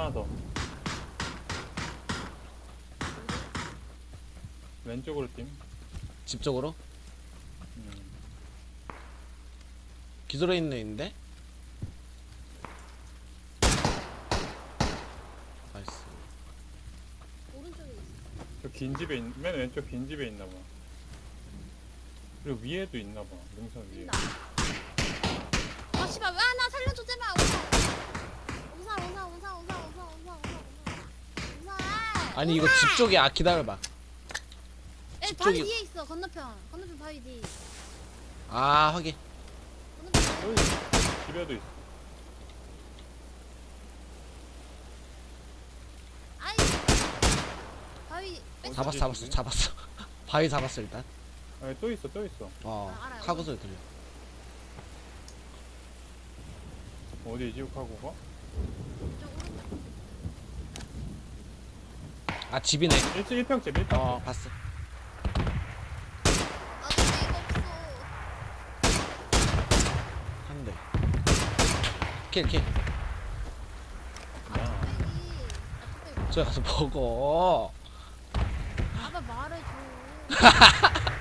하나 더. 왼쪽으로 팀. 집 쪽으로? 음. 기절해 있는 애 있는데? 나이스. 오른쪽에 있어. 저 긴 집에 맨 왼쪽 긴 집에 있나 봐. 그리고 위에도 있나 봐. 능선 위에. 뛴다. 아 씨발 왜 나 살려줘 제발. 우사. 아니 이거 집 쪽에 기다려봐. 에 집 바위 쪽이- 뒤에 있어. 건너편 바위 뒤. 아 확인. 건너편 여기 집에도 있어. 아이 바위 뺐어. 잡았어. 바위 잡았어 일단. 아니 또 있어. 아, 알아요. 카고 소리 들려. 어디 지옥하고가? 이쪽 오른쪽. 아 집이네. 1평집 1평집. 봤어. 아 근데 이거 없어. 한 대. 킬. 아 뚝배기. 저기 가서 먹어. 아빠 말해줘.